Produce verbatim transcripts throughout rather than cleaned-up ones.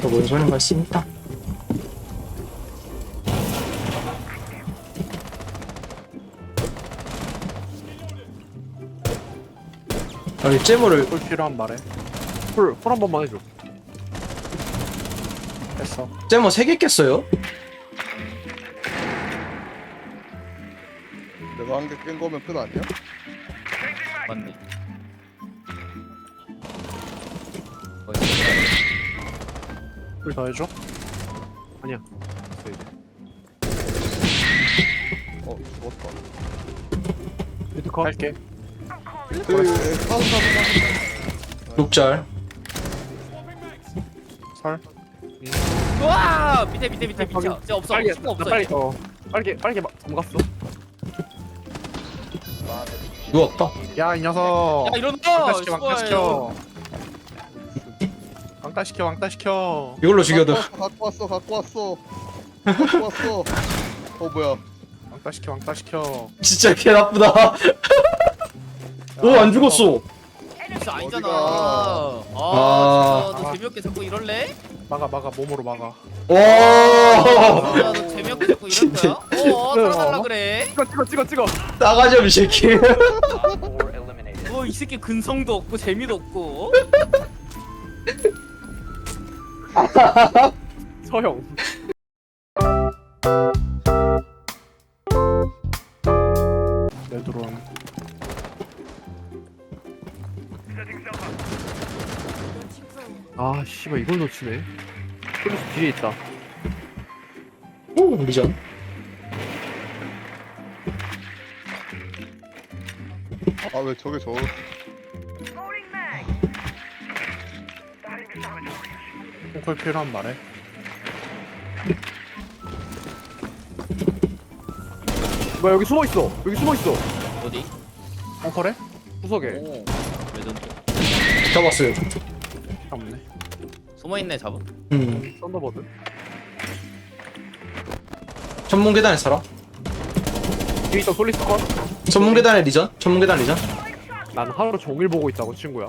뭔 소린가 씁니다. 아니 잼머를 꿀 필요한 말해. 꿀, 꿀 한 번만 해줘. 됐어. 잼머 세 개 깼어요? 내가 한 개 깬 거면 끝 아니야? 맞네. 꿀 더 해줘. 아니야. 됐어 이제. 어 죽었다. 미드 컷. 할게. 에이 사슴 사슴 사슴. 룩잘. 설. 우와 밑에 밑에 밑에 밑에. 확인. 진짜 없어. 빨리, 친구 없어. 나 빨리. 어. 빨리 빨리 막 잠갔어. 누웠다. 야 이 녀석. 야 이런 왕따 거. 시켜 왕따 시켜. 왕따 시켜 왕따 시켜. 이걸로 죽여도. 갖고 왔어 갖고 왔어 갖고 왔어. 어 뭐야? 왕따 시켜 왕따 시켜. 진짜 개 나쁘다. 오 안 죽었어. 진짜 아니잖아. 어디가? 아, 아. 진짜 너 재미없게 자꾸 이럴래? 막아 막아 몸으로 막아. 와. 아, 너 재미없게 자꾸 이럴 진짜. 거야? 어, 살아달라 그래. 찍어 찍어 찍어 찍어. 나가자 이 새끼. 뭐 이 새끼 근성도 없고 재미도 없고. 서형. 내 드론. 아 씨발 이걸 놓치네. 플러스 뒤에 있다. 오 리전. 아 왜 저게 저? 콩콜 필요한 말해. 뭐야 여기 숨어 있어. 여기 숨어 있어. 어디? 콩콜에? 구석에. 오. 레전드. 잡았어요. 없네. 숨어 있네 잡아. 음. 썬더버드. 천문 계단에 살아. 뒤에 있던 솔리스 컷. 천문 계단에 리전. 천문 계단 리전. 난 하루 종일 보고 있다고 친구야.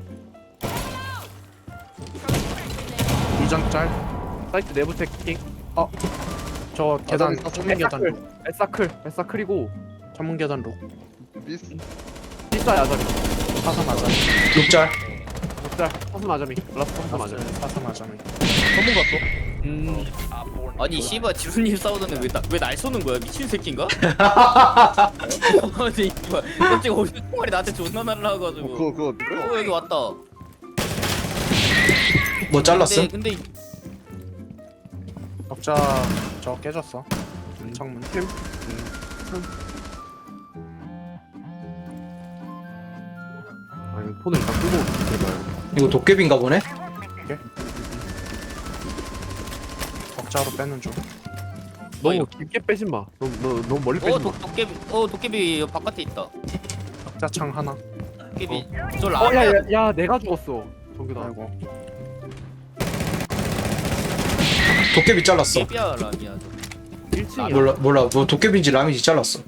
이전 짤. 사이트 내부 체킹. 어. 저 계단 아, 전문 계단 룩. 에사클. 에사클이고 전문 계단 룩. 미스. 비싸 야자미. 사삼 아자미. 룩잘. 룩짤. 사삼 아자미. 라스트 사삼 아자미. 사삼 아자미. 전문 갔어? 음. 아니 씨발 지훈님 싸우던데 왜왜날 쏘는 거야 미친 새끼인가? 아니 씨발 갑자기 어디서 총알이 나한테 존나 어, 날라와가지고. 그거 그거 어때? 어 여기 왔다. 뭐 잘랐음? 근데 근데 적자 저 깨졌어. 음, 창문 팀. 아니 폰을 일단 끄고 들어가요. 이거 도깨비인가 보네. 적자로 빼는 중. 너무 이거. 깊게 빼진 마. 너무 너, 너무 멀리 빼지 어 마. 도, 도깨비 어 도깨비 바깥에 있다. 적자 창 하나. 도깨비 저 어, 라면. 야, 야, 야, 내가 죽었어. 정규다. 아이고. 도깨비 잘랐어. 도깨비야 라미야. 일 층이야. 몰라 몰라 뭐 도깨비인지 람인지 잘랐어.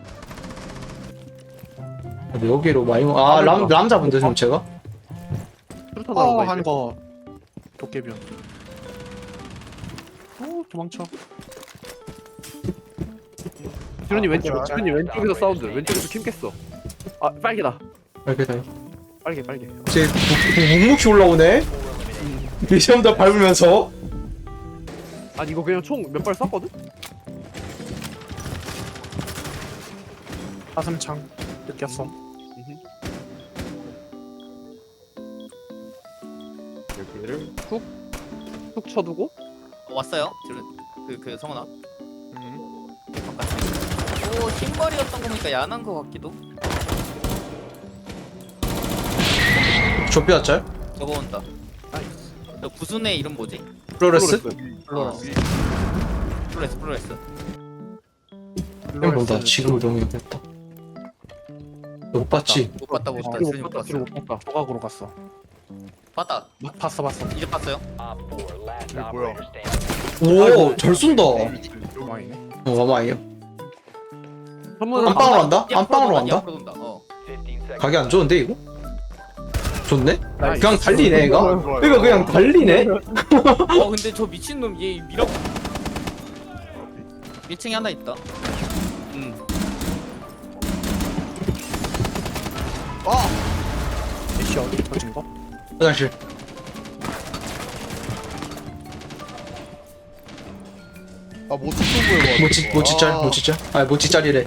근데 여기로 많이 아람 람 잡은데 좀 제가. 수류탄 어, 나온 거 한 거. 도깨비야. 오, 도망쳐. 지훈이 왼쪽, 아, 지훈이 왼쪽에서 사운드. 왼쪽에서 킴 깼어. 아, 빨개다. 이렇게 다. 빨개, 빨개. 제 묵묵히 올라오네. 미션 다 밟으면서. 아니 이거 그냥 총 몇 발 쐈거든? 사슴창 느꼈어. 여기를 훅훅 쳐두고. 어, 왔어요. 그그 그 성훈아. 음. 바깥에. 오 흰머리였던 거 보니까 야한 거 같기도. 좁혀 짤. 저거 온다. 나이스. 저 구순의 이름 뭐지? 플로레스. 플로레스. 플로레스 플로레스. 형 본다. 지금 동의했다. 못 봤지? 못 봤다 못 봤다. 뒤로 진짜 못 못 갔다. 뒤로 봤어. 못 갔다. 소각으로 갔어. 봤다. 막 봤어, 봤어. 이제 봤어요. 이게 뭐야? 오, 잘 쏜다. 요망이네. 어, 와마이요. 선물은 안방으로 간다? 앞으로 안방으로 돈다, 간다? 앞으로 돈다. 어. 가게 안 좋은데 이거? 좋네? 나이스. 그냥 달리네 얘가? 좋아요, 좋아요. 이거 그냥 달리네? 어 근데 저 미친놈 얘 미라고 일 층에 하나 있다. 음. 아! 애쉬 어디 터진 거? 화장실. 아 모찌 쏜 거야 모치 모치짤 모치짤. 아 모치짤이래.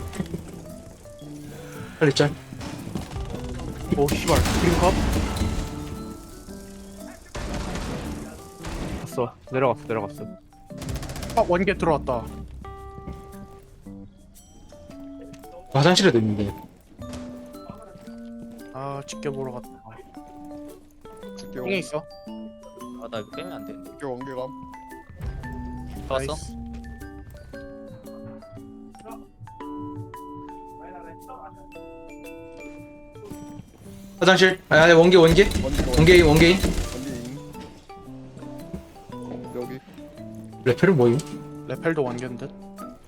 빨리 짤. 오 씨발 그린컵? 갔어 내려갔어 내려갔어 아 원개 들어왔다 화장실에도 있는데. 아 지켜보러 갔다 집게 ting에 있어 아 나 이거 빼면 안 되는데. 집게 원개감. 봤어? 나이스. 화장실. 아 아니 원개 원개. 원개 원개인 원개인. 원개인. 어, 여기. 레펠은 뭐임? 레펠도 원개인 듯?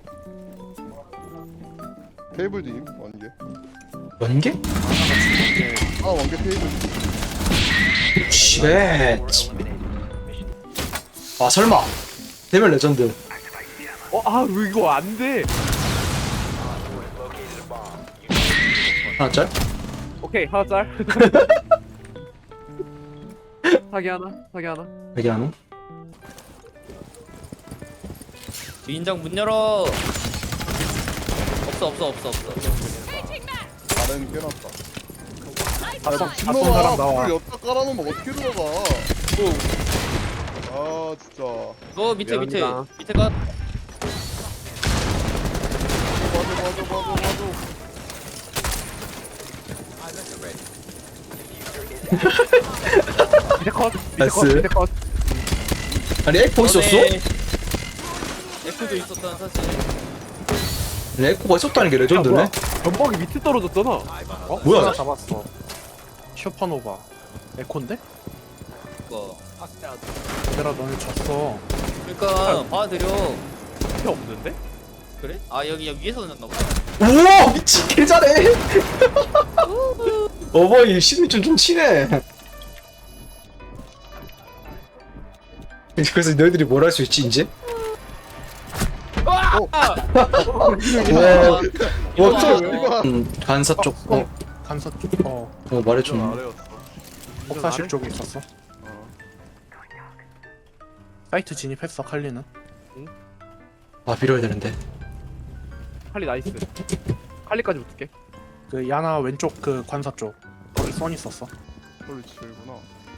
테이블도 임 원개. 원개? 아 원개 테이블. 쉣. 아 설마. 대면 레전드. 어아 이거 안돼 하나 짤? 오케이 하나 짤 사기 하나 사기 하나 여기 하나. 주인장 문 열어. 없어 없어 없어 없어. 나는 깨놨다. 다섯 다섯 신놈아 사람 나와 불 엿다 깔아놓으면 어떻게 들어가? 아 진짜. 너 밑에 밑에 미안합니다. 밑에 가. 맞아 맞아 맞아 맞아. 밑에 컷 밑에 나이스. 컷 밑에 컷 아니 에코 있었어? 에코도 있었다는 사실. 아니, 에코가 있었다는 게 레전드네. 전복이 밑에 떨어졌잖아 어? 뭐야? 하나 잡았어 슈퍼노바 에콘데? 그거. 얘들아 너네 졌어 그러니까 봐드려. 필요 없는데? 그래? 아 여기 여기 위에서 던졌나 보다. 우와 미친 개 잘해. 어버이 심리 좀 좀 치네. 그래서 너희들이 뭘 할 수 있지 이제? 아! 와, 이거 와, 봐. 이거 음, 간사 쪽. 어, 간서 쪽 어, 어 말해줬네. 아래였어. 복사실 쪽에 있었어 어. 사이트 진입했어 칼리는 아 밀어야 되는데. 칼리 나이스 칼리까지 붙을게 그 야나 왼쪽 그 관사 쪽 거기 선 있었어 홀리 칠구나.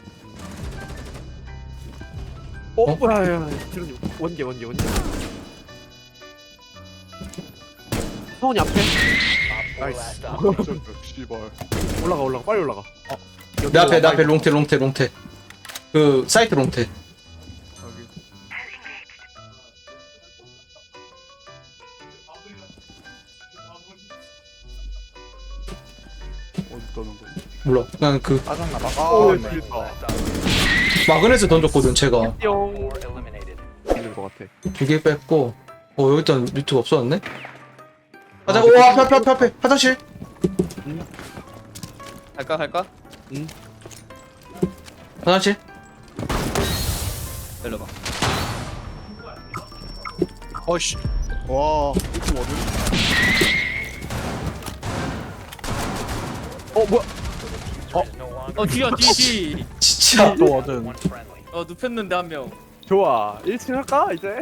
어? 어? 뭐야 야 지금 원개 원개 원개 서원이 앞에 나이스 진짜 씨발. 올라가 올라가 빨리 올라가 어 여기 내 앞에 내 와봐, 앞에 이거. 롱테 롱테 롱테. 그 사이트 롱테. 여기. 어디 떠는 거야? 몰라. 그냥 그 빠졌나봐 아, 오 네. 재밌다 마그넷을 던졌거든 제가. 뿅 있는 것 같아 두 개 뺐고. 어 여기 일단 밑에 없어졌네. 화장. 오 앞에 앞에 앞에 앞에 화장실. 갈까 갈까? 화장실. 열려봐. 어이씨 와 이거 어디? 어 뭐야 어 뒤야 뒤 뒤. 진짜. 또 얻은 어 눕혔는데 한 명. 좋아 일 층 할까 이제?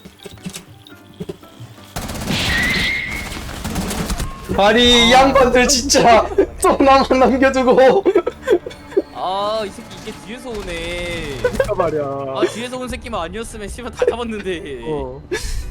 아니 이 양반들 진짜 또 나만 남겨두고. 아 이 새끼 이게 뒤에서 오네. 진짜 말이야 아 뒤에서 온 새끼만 아니었으면 씨발 다 잡았는데. 어